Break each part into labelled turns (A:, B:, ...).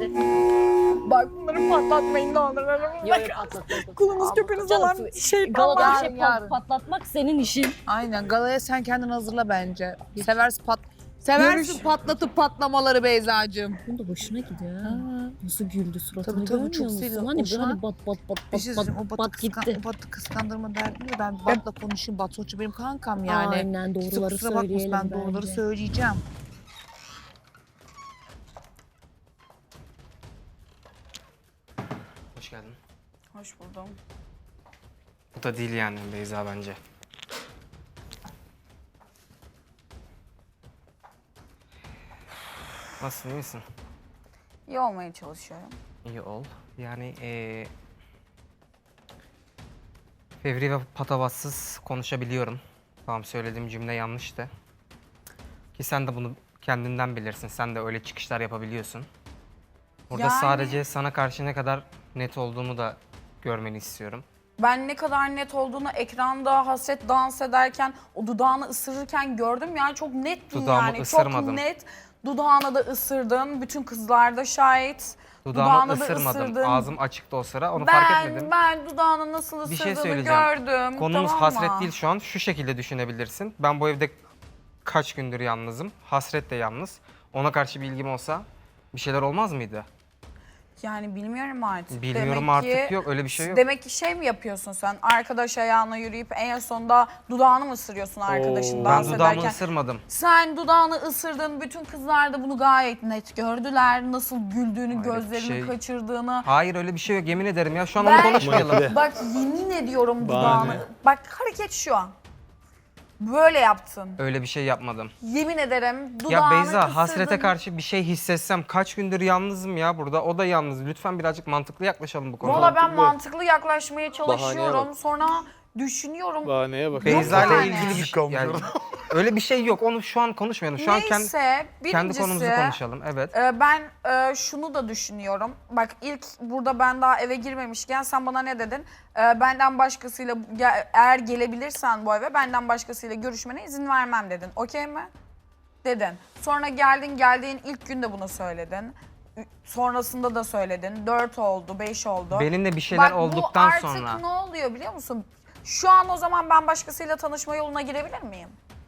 A: hadi.
B: Bak bunları patlatmayın ne olur.
A: Yok patlat.
B: Kulunuz köpünüz
A: Canım,
B: olan
A: Galada bir şey
C: Yarın.
A: patlatmak senin işin.
C: Aynen galaya sen kendin hazırla bence. Seversin patlatıp patlamaları Beyza'cığım.
A: Bunun da hoşuna gidiyor ha. Nasıl güldü suratını
C: Tabii,
A: görmüyor
C: çok
A: musun?
C: seviyor.
A: Hani
C: O şu
A: böyle
C: an-
A: bat bat bat
C: Bir şey
A: bat
C: söyleyeyim, o
A: bat gitti.
C: Batı kıskandırma derdim ya ben Bat'la konuşayım. Bat sonuçta benim kankam yani.
A: Aynen
C: Kimse
A: doğruları
C: kusura bakmasın,
A: söyleyelim
C: ben doğruları
A: bence.
C: söyleyeceğim.
D: Hoş geldin.
B: Hoş buldum.
D: Bu da değil yani Beyza bence. Nasılsın, iyi misin?
B: İyi olmaya çalışıyorum.
D: İyi ol. Yani fevri ve patavatsız konuşabiliyorum. Tamam, söylediğim cümle yanlıştı. Ki sen de bunu kendinden bilirsin. Sen de öyle çıkışlar yapabiliyorsun. Burada
B: Yani-
D: sadece sana karşı ne kadar net olduğumu da görmeni istiyorum.
B: Ben ne kadar net olduğunu ekranda Hasret dans ederken, o dudağını ısırırken gördüm. Yani çok nettin
D: Dudağımı
B: yani.
D: ısırmadım.
B: Çok net. Dudağına da ısırdın. Bütün kızlar da şahit.
D: Dudağımı
B: Dudağına da
D: ısırmadım.
B: ısırdın.
D: Ağzım açıktı o sıra. Onu fark etmedim.
B: Ben dudağını nasıl
D: Bir şey
B: ısırdığını
D: söyleyeceğim.
B: gördüm.
D: Konumuz
B: tamam
D: hasret
B: mı?
D: değil şu an. Şu şekilde düşünebilirsin. Ben bu evde kaç gündür yalnızım. Hasret de yalnız. Ona karşı bir ilgim olsa bir şeyler olmaz mıydı?
B: Yani bilmiyorum artık.
D: Bilmiyorum
B: Demek
D: artık,
B: ki,
D: yok öyle bir şey yok.
B: Demek ki şey mi yapıyorsun sen? Arkadaş ayağına yürüyüp en sonunda dudağını mı ısırıyorsun arkadaşın
D: Ben
B: dans
D: dudağımı
B: ederken?
D: ısırmadım.
B: Sen dudağını ısırdın. Bütün kızlar da bunu gayet net gördüler. Nasıl güldüğünü,
D: Hayır,
B: gözlerini
D: şey-
B: kaçırdığını.
D: Hayır öyle bir şey yok, yemin ederim ya. Şu an
B: Ben-
D: onu konuşmayalım.
B: Bak yemin ediyorum
E: Bahane.
B: dudağını. Bak hareket şu an. Böyle yaptın.
D: Öyle bir şey yapmadım.
B: Yemin ederim dudağını
D: Ya Beyza,
B: ısırdın.
D: hasrete karşı bir şey hissetsem kaç gündür yalnızım ya burada. O da yalnız. Lütfen birazcık mantıklı yaklaşalım bu konuya.
B: Valla ben mantıklı yaklaşmaya çalışıyorum.
E: bak.
B: Sonra düşünüyorum.
E: Bahaneye bak.
D: Beyza ile
B: yani.
D: ilgili bir şey. Yani, öyle bir şey yok. Onu şu an konuşmayalım. Şu an
B: Neyse,
D: kendi
B: birincisi,
D: konumuzu konuşalım. Evet.
B: Ben şunu da düşünüyorum. Bak ilk burada ben daha eve girmemişken sen bana ne dedin? Benden başkasıyla eğer gelebilirsen bu eve benden başkasıyla görüşmene izin vermem dedin. Okey mi? Dedin. Sonra geldiğin ilk gün de bunu söyledin. Sonrasında da söyledin. 4 oldu, 5 oldu.
D: Benimle bir şeyler
B: Bak,
D: olduktan
B: bu
D: sonra.
B: artık ne oluyor biliyor musun? Şu an o zaman ben başkasıyla tanışma yoluna girebilir miyim?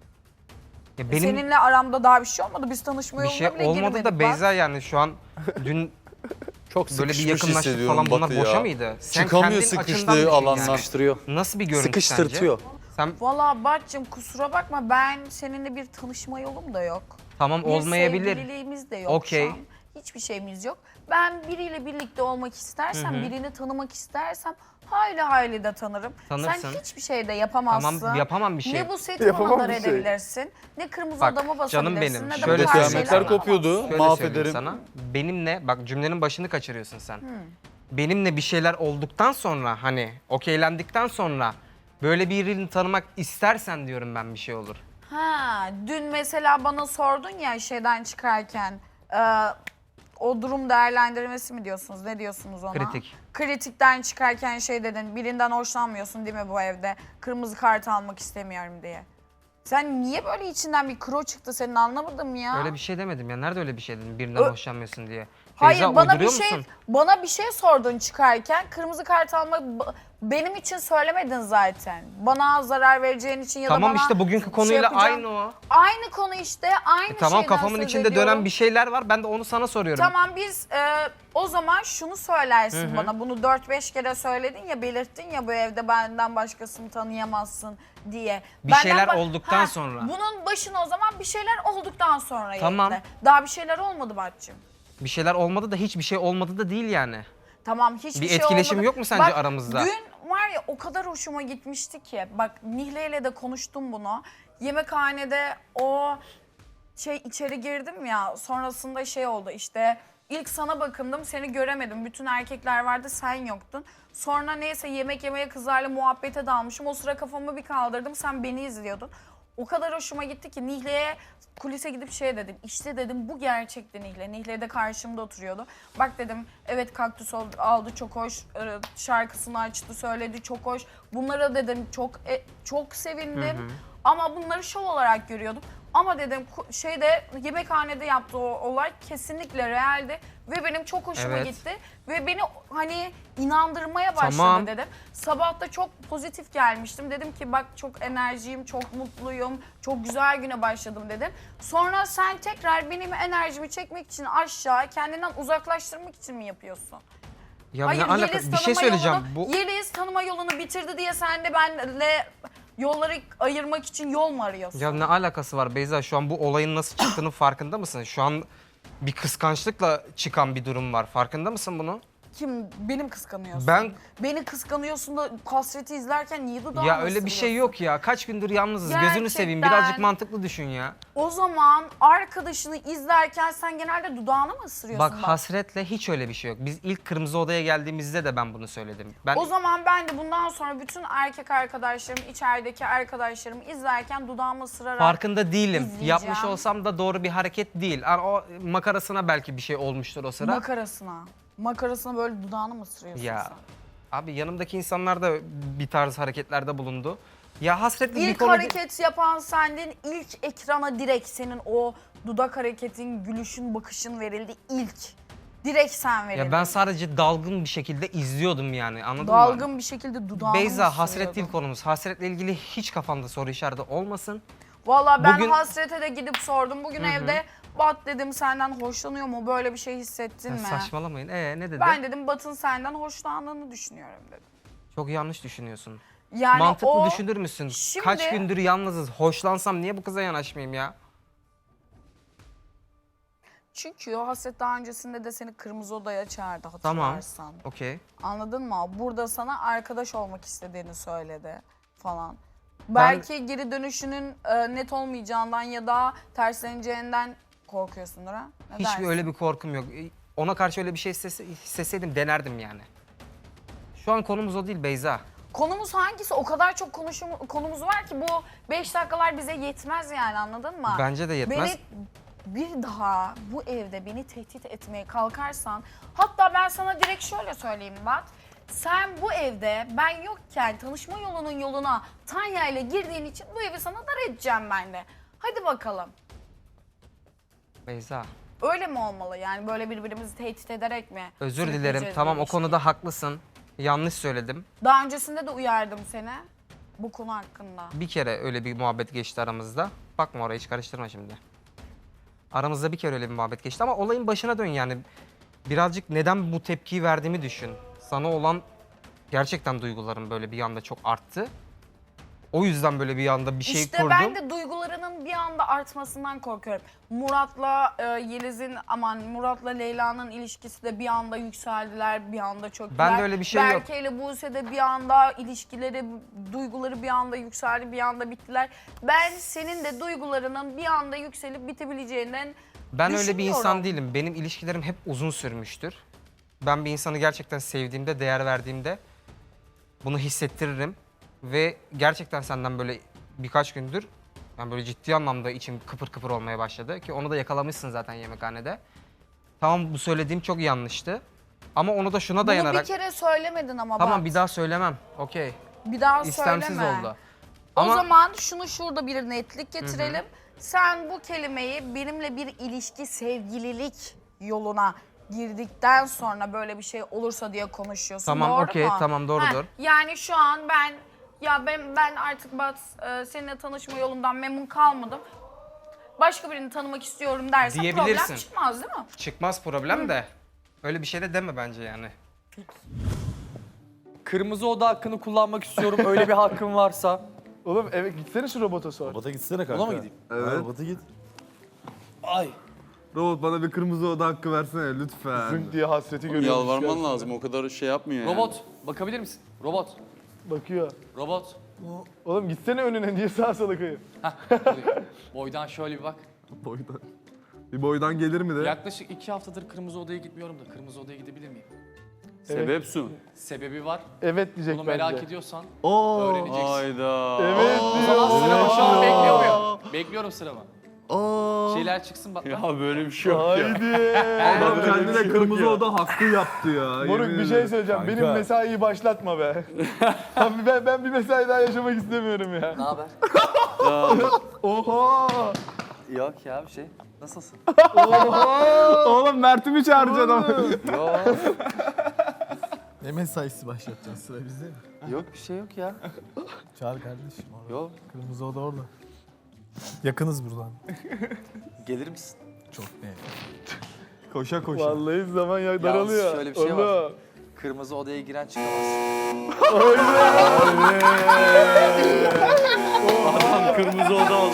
D: Ya benim
B: Seninle aramda daha bir şey olmadı. Biz tanışma
D: bir
B: yoluna
D: şey
B: bile
D: olmadı
B: girmedik
D: da
B: bak.
D: Beyza yani şu an dün
E: Çok
D: böyle bir
E: sıkışmış
D: yakınlaştık
E: hissediyorum
D: falan, bunlar
E: Batı ya.
D: boşa mıydı? Sen
E: Çıkamıyor
D: kendin açından
E: sıkıştığı
D: düşün
E: alandan.
D: yani.
E: Sıkıştırıyor.
D: Nasıl bir görüntü
E: Sıkıştırtıyor.
D: sence? Sen
B: Valla Batcığım kusura bakma ben seninle bir tanışma yolum da yok.
D: tamam
B: Bir
D: olmayabilir.
B: sevgililiğimiz de yok
D: Okey.
B: şu an. Hiçbir şeyimiz yok. Ben biriyle birlikte olmak istersem, birini tanımak istersem hayli de tanırım.
D: Tanırsın.
B: Sen hiçbir şey de yapamazsın.
D: Tamam, yapamam bir şey.
B: Ne bu seti
E: Yapamam
B: mandar
E: bir şey.
B: edebilirsin, ne kırmızı
D: Bak,
B: adamı
D: canım
B: basabilirsin,
D: benim,
B: ne de
D: şöyle
B: bu tarz
D: söyleyeyim
B: şeyler
E: Kıyametler
D: sana.
E: kopuyordu.
D: Şöyle söyleyeyim
E: Mahvederim.
D: sana. Benimle bak cümlenin başını kaçırıyorsun sen. Benimle bir şeyler olduktan sonra hani okeylendikten sonra böyle birini tanımak istersen diyorum ben bir şey olur.
B: Ha, dün mesela bana sordun ya şeyden çıkarken o durum değerlendirmesi mi diyorsunuz? Ne diyorsunuz ona?
D: Kritik.
B: Kritikten çıkarken şey dedin, birinden hoşlanmıyorsun değil mi bu evde? Kırmızı kart almak istemiyorum diye. Sen niye böyle içinden bir kro çıktı senin anlamadım ya.
D: Öyle bir şey demedim ya. Nerede öyle bir şey dedim birinden hoşlanmıyorsun diye.
B: Hayır
D: Beyza,
B: bana bir
D: uyduruyor
B: şey
D: musun?
B: bana bir şey sordun çıkarken kırmızı kart almak benim için söylemedin zaten. Bana zarar vereceğin için ya da
D: Tamam
B: bana
D: işte bugünkü
B: şey
D: konuyla
B: yapacağın-
D: aynı o.
B: Aynı konu işte aynı
D: Tamam
B: şeyden
D: kafamın
B: söz
D: içinde
B: ediyorum.
D: dönen bir şeyler var. Ben de onu sana soruyorum.
B: Tamam biz o zaman şunu söylersin bana. Bunu 4-5 kere söyledin ya, belirttin ya bu evde benden başkasını tanıyamazsın diye.
D: Bir şeyler olduktan sonra.
B: Bunun başına o zaman bir şeyler olduktan sonra
D: Tamam.
B: ekle. Daha bir şeyler olmadı Batçım.
D: Bir şeyler olmadı da hiçbir şey olmadı da değil yani.
B: Tamam hiçbir
D: Bir
B: şey
D: etkileşim
B: olmadı.
D: yok mu sence aramızda?
B: Dün var ya o kadar hoşuma gitmişti ki. Bak Nihle ile de konuştum bunu. Yemekhanede o içeri girdim ya, sonrasında şey oldu işte. İlk sana bakındım, seni göremedim. Bütün erkekler vardı, sen yoktun. Sonra neyse yemek yemeye kızlarla muhabbete dalmışım. O sıra kafamı bir kaldırdım, sen beni izliyordun. O kadar hoşuma gitti ki Nihle'ye kulise gidip şey dedim. İşte dedim bu gerçekten Nihle. Nihle de karşımda oturuyordu. Bak dedim evet kaktüs aldı çok hoş. Şarkısını açtı söyledi çok hoş. Bunlara dedim çok sevindim. Ama bunları şov olarak görüyordum. Ama dedim şeyde yemekhanede yaptığı o olay kesinlikle realdi ve benim çok hoşuma
D: Evet.
B: gitti ve beni hani inandırmaya başladı
D: Tamam.
B: dedim. Sabah da çok pozitif gelmiştim. Dedim ki bak çok enerjiyim, çok mutluyum, çok güzel güne başladım dedim. Sonra sen tekrar benim enerjimi çekmek için aşağı, kendinden uzaklaştırmak için mi yapıyorsun?
D: Ya
B: Hayır,
D: ne alaka?
B: Yeliz
D: Bir şey
B: tanıma
D: söyleyeceğim.
B: yolunu, Yeliz tanıma yolunu bitirdi diye sen de benle yolları ayırmak için yol mu arıyorsun?
D: Ya ne alakası var Beyza? Şu an bu olayın nasıl çıktığının farkında mısın? Şu an bir kıskançlıkla çıkan bir durum var. Farkında mısın bunu?
B: Kim? Benim kıskanıyorsun.
D: Ben
B: Beni kıskanıyorsun da Hasret'i izlerken niye dudağını
D: ya öyle bir şey
B: ısırıyorsun?
D: yok ya. Kaç gündür yalnızız. Gözünü seveyim.
B: Gerçekten.
D: Birazcık mantıklı düşün ya.
B: O zaman arkadaşını izlerken sen genelde dudağını mı ısırıyorsun?
D: Bak Hasret'le hiç öyle bir şey yok. Biz ilk Kırmızı Oda'ya geldiğimizde de ben bunu söyledim. Ben
B: O zaman ben de bundan sonra bütün erkek arkadaşlarım, içerideki arkadaşlarımı izlerken dudağımı ısırarak
D: farkında değilim.
B: izleyeceğim.
D: Yapmış olsam da doğru bir hareket değil. Yani o makarasına belki bir şey olmuştur o sıra.
B: Makarasına böyle dudağını mı ısırıyorsun
D: Ya
B: sen?
D: abi yanımdaki insanlar da bir tarz hareketlerde bulundu. Ya Hasret'le bir
B: İlk
D: konu...
B: hareket yapan sendin, ilk ekrana direkt senin o dudak hareketin, gülüşün, bakışın verildi ilk. Direkt sen verildin.
D: Ya ben sadece dalgın bir şekilde izliyordum yani, anladın mı?
B: Dalgın bir şekilde dudağını
D: Beyza,
B: mı
D: hasret değil
B: ısırıyordun?
D: konumuz. Hasretle ilgili hiç kafanda soru işareti olmasın.
B: Valla ben
D: Bugün-
B: Hasret'e de gidip sordum. Bugün evde Bat dedim senden hoşlanıyor mu? Böyle bir şey hissettin
D: Ya
B: mi?
D: saçmalamayın. Ne dedi?
B: Ben dedim Bat'ın senden hoşlandığını düşünüyorum dedim.
D: Çok yanlış düşünüyorsun.
B: Yani
D: Mantıklı
B: o
D: düşünür müsün?
B: şimdi-
D: Kaç gündür yalnızız. Hoşlansam niye bu kıza yanaşmayayım ya?
B: çünkü o Hasret daha öncesinde de seni Kırmızı Oda'ya çağırdı
D: Tamam.
B: hatırlarsan.
D: Okey.
B: Anladın mı? Burada sana arkadaş olmak istediğini söyledi falan. Belki geri dönüşünün net olmayacağından ya da tersleneceğinden korkuyorsundur ha? Ne
D: Hiçbir
B: dersin?
D: öyle bir korkum yok. Ona karşı öyle bir şey hissetseydim denerdim yani. Şu an konumuz o değil Beyza.
B: Konumuz hangisi? O kadar çok konumuz var ki bu 5 dakikalar bize yetmez yani anladın mı?
D: Bence de yetmez.
B: Beni bir daha bu evde beni tehdit etmeye kalkarsan, hatta ben sana direkt şöyle söyleyeyim Bat. Sen bu evde ben yokken tanışma yolunun yoluna Tanya ile girdiğin için bu evi sana dar edeceğim ben de. Hadi bakalım.
D: Beyza,
B: Öyle mi olmalı yani böyle birbirimizi tehdit ederek mi?
D: özür
B: sürükleyeceğiz
D: dilerim.
B: bu
D: Tamam, o
B: ilişkiyi?
D: konuda haklısın. Yanlış söyledim.
B: Daha öncesinde de uyardım seni bu konu hakkında.
D: Bir kere öyle bir muhabbet geçti aramızda. Bakma oraya, hiç karıştırma şimdi. Aramızda bir kere öyle bir muhabbet geçti ama olayın başına dön yani. Birazcık neden bu tepkiyi verdiğimi düşün. Sana olan gerçekten duygularım böyle bir anda çok arttı. O yüzden böyle bir anda bir şey
B: İşte
D: kurdum.
B: ben de duygularının bir anda artmasından korkuyorum. Murat'la Murat'la Leyla'nın ilişkisi de bir anda yükseldiler, bir anda çöktüler.
D: Ben de öyle bir şey yok.
B: Berke ile Buse de bir anda ilişkileri, duyguları bir anda yükseldi, bir anda bittiler. Ben senin de duygularının bir anda yükselip bitebileceğinden
D: Ben öyle bir insan
B: düşünüyorum.
D: değilim. Benim ilişkilerim hep uzun sürmüştür. Ben bir insanı gerçekten sevdiğimde, değer verdiğimde bunu hissettiririm. Ve gerçekten senden böyle birkaç gündür yani böyle ciddi anlamda içim kıpır kıpır olmaya başladı. Ki onu da yakalamışsın zaten yemekhanede. Tamam, bu söylediğim çok yanlıştı. Ama onu da şuna
B: Bunu
D: dayanarak...
B: bir kere söylemedin ama
D: Tamam,
B: bak.
D: bir daha söylemem. Okey.
B: Bir daha
D: İstemsiz
B: söyleme.
D: oldu.
B: O
D: Ama
B: zaman şunu şurada bir netlik getirelim. Sen bu kelimeyi benimle bir ilişki, sevgililik yoluna girdikten sonra böyle bir şey olursa diye konuşuyorsun.
D: Tamam,
B: doğru
D: okey,
B: mu?
D: tamam, doğrudur.
B: Yani şu an ben artık seninle tanışma yolundan memnun kalmadım. Başka birini tanımak istiyorum dersen problem
D: Diyebilirsin.
B: çıkmaz değil mi?
D: çıkmaz problem de. Öyle bir şey de deme bence yani.
E: Kırmızı Oda hakkını kullanmak istiyorum. Öyle bir hakkım varsa.
F: Oğlum eve gitsene şu robota sor.
G: Robota gitsene kanka.
E: Ona mı gideyim?
G: Evet. Robota git.
E: Ay.
H: Robot bana bir kırmızı oda hakkı versene lütfen.
F: Zınk diye hasreti görüyormuş.
G: Yalvarman
F: kendisine.
G: lazım. O kadar şey yapmıyor yani.
E: Robot, bakabilir misin? Robot,
F: Bakıyor.
E: robot.
F: Oğlum gitsene önüne niye sağa sola kayıyorsun?
E: Buraya. Boydan şöyle bir bak.
H: Boydan. Bir boydan gelir mi de?
E: Yaklaşık 2 haftadır Kırmızı Oda'ya gitmiyorum da Kırmızı Oda'ya gidebilir miyim?
G: Sebep su.
E: Sebebi var.
F: Evet diyecek
E: Bunu
F: bence.
E: merak ediyorsan
H: Oo.
E: öğreneceksin.
G: Hayda.
F: Evet
E: O
F: diyor.
E: zaman sıramı şu an bekliyor muyum? Bekliyorum sıramı.
H: Oo.
E: Şeyler çıksın bak.
G: Ya böyle bir şey yok ya.
F: Haydi.
H: Adam
G: Böyle bir
H: kendine
G: şey yok
H: kırmızı
G: ya.
H: oda hakkı yaptı ya.
F: Moruk
H: yemin
F: bir şey
H: ederim.
F: söyleyeceğim.
G: Kanka.
F: Benim mesaiyi başlatma be. Ben bir mesai daha yaşamak istemiyorum ya.
E: Ne haber?
F: Oha.
E: Yok ya bir şey. Nasılsın?
F: Oğlum Mert'i mi çağıracaksın ama?
E: Yok.
I: Ne mesaisi başlatacaksın, sıra bizde mi?
E: Yok bir şey yok ya.
I: Çağır kardeşim orada.
E: Yok.
I: Kırmızı oda orada. Yakınız buradan.
E: Gelir misin?
I: Çok ne?
H: Koşa koşa.
F: Vallahi zaman ya daralıyor.
E: şöyle bir şey var.
F: Oğlum.
E: Kırmızı odaya giren çıkamaz.
G: Kırmızı oda